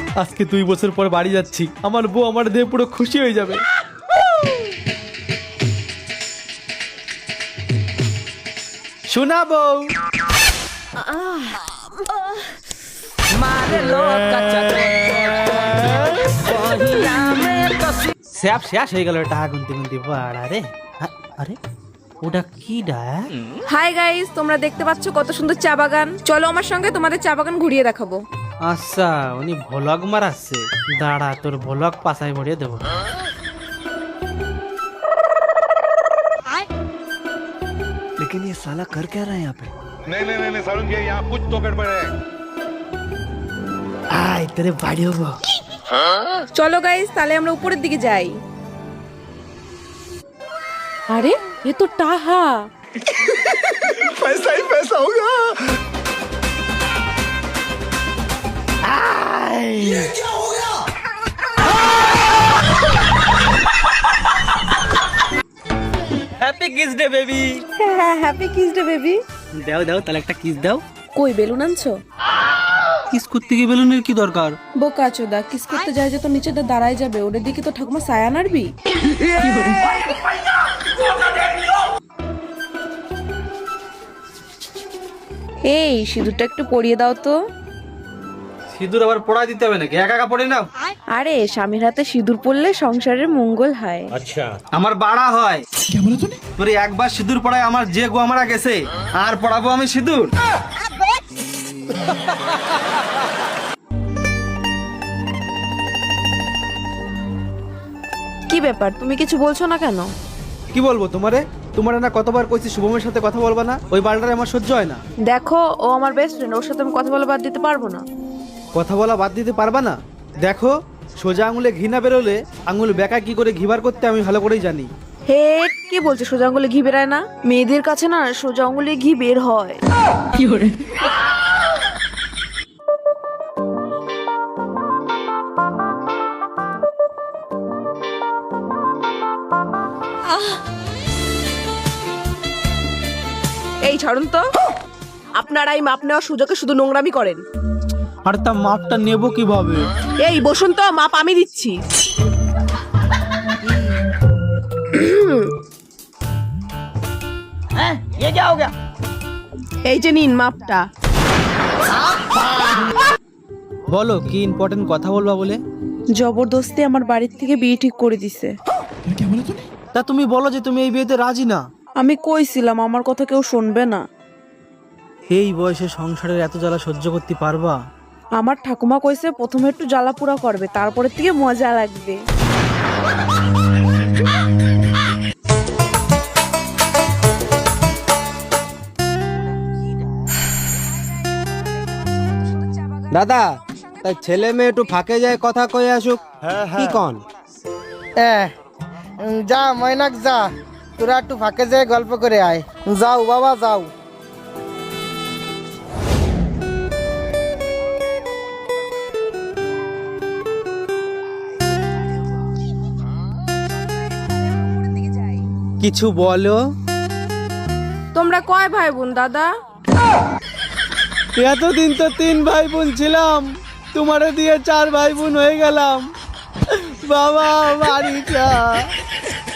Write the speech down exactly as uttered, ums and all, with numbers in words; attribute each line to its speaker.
Speaker 1: আজকে দুই বছর পর বাড়ি যাচ্ছি, আমার বউ আমার দিয়ে পুরো খুশি হয়ে যাবে। শোনা বউ, স্যাপ শেষ হয়ে গেল টাকা গুনতে গুনতে। আরে আরে ওটা কি ডা?
Speaker 2: হাই গাইস, তোমরা দেখতে পাচ্ছ কত সুন্দর চা বাগান। চলো আমার সঙ্গে তোমাদের চা বাগান ঘুরিয়ে দেখাবো।
Speaker 1: আচ্ছা, উনি ভ্লগ মারাচ্ছে, দাঁড়া তোর ভ্লগ পাশায় ভরিয়ে দেবো।
Speaker 3: लेकिन ये साला कर क्या रहा है यहाँ पे?
Speaker 4: नहीं नहीं नहीं सारुण ये यहाँ कुछ तो गड़बड़ है।
Speaker 1: আয় তোরে বাড়ি হবো।
Speaker 2: চলো গাইস, তাহলে আমরা উপরের দিকে যাই। আরে এ তো টাহা।
Speaker 4: पैसा ही पैसा होगा।
Speaker 1: Happy kiss day baby.
Speaker 2: হ্যাঁ, হ্যাপি কিস ডে বেবি।
Speaker 1: দাও দাও তাহলে একটা কিস দাও।
Speaker 2: কই বেলুন আনছো?
Speaker 1: কিস করতে গিয়ে বেলুনের কি দরকার?
Speaker 2: বোকা চোদা, কিস করতে যায় যে তো নিচেটা দাঁড়ায় যাবে, ওদের দিকে তো ঠাকুমা ছায়া নাড়বি। এই সিঁদুরটা একটু পরিয়ে দাও তো।
Speaker 1: সিঁদুর আবার পড়া দিতে হবে নাকি? একা একা পড়ে নাও।
Speaker 2: আরে স্বামীর হাতে সিঁদুর পরলে সংসারের মঙ্গল হয়।
Speaker 1: আমার বাড়া হয়। তোর একবার সিঁদুর পড়ায় আমার যে গো মারা গেছে, আর পড়াবো আমি সিঁদুর?
Speaker 2: কি ব্যাপার, তুমি কিছু বলছো না কেন?
Speaker 1: কি বলবো তোমারে? তোমার না কতবার কইছি শুভমের সাথে কথা বলবা না, ওই বালটারে আমার সহ্য হয় না।
Speaker 2: দেখো, ও আমার বেস্ট ফ্রেন্ড, ওর সাথে আমি কথা বলে বাদ দিতে পারবো না।
Speaker 1: কথা বলা বাদ দিতে পারবা না? দেখো, সোজা আঙুলে ঘি না বেরোলে আঙুল বেকা কি করে ঘিবার করতে আমি ভালো করেই জানি।
Speaker 2: হে, কি বলছো? সোজা আঙুলে ঘি বেরায় না? মেয়েদের কাছে না সোজা আঙুলে ঘি বের হয়। কি করে? এই ছাড়ুন তো, আপনারা এই মাপ নেওয়ার সুযোগে শুধু নোংরামি করেন।
Speaker 1: আর তা মাপটা নেব কিভাবে?
Speaker 2: এই বসুন তো, মাপ আমি দিচ্ছি। এই যে নিন মাপটা।
Speaker 1: বলো কি ইম্পর্টেন্ট কথা বলবা বলে?
Speaker 2: জবরদস্তি আমার বাড়ির থেকে বিয়ে ঠিক করে দিছে।
Speaker 1: তা তুমি বলো যে তুমি এই বিয়েতে রাজি না।
Speaker 2: আমি কইছিলাম আমার কথা কেউ শুনবে না।
Speaker 1: এই বয়সে সংসারের এত জ্বালা সহ্য করতে পারবা?
Speaker 2: আমার ঠাকুমা কইছে প্রথমে একটু জ্বালা পুরা করবে, তারপরে থেকে মজা লাগবে।
Speaker 5: দাদা, তাই ছেলে মেয়ে একটু ফাঁকে যায় কথা কয়ে আসুক। কি কন?
Speaker 6: এ যা ময়নাক যা, তোরা একটু ফাঁকে যেয়ে গল্প করে আয়। যাও বাবা যাও।
Speaker 5: কিছু বলো।
Speaker 2: তোমরা কয় ভাই বোন দাদা?
Speaker 1: এতদিন তো তিন ভাই বোন ছিলাম, তোমারে দিয়ে চার ভাই বোন হয়ে গেলাম। বাবা বাড়ি যা।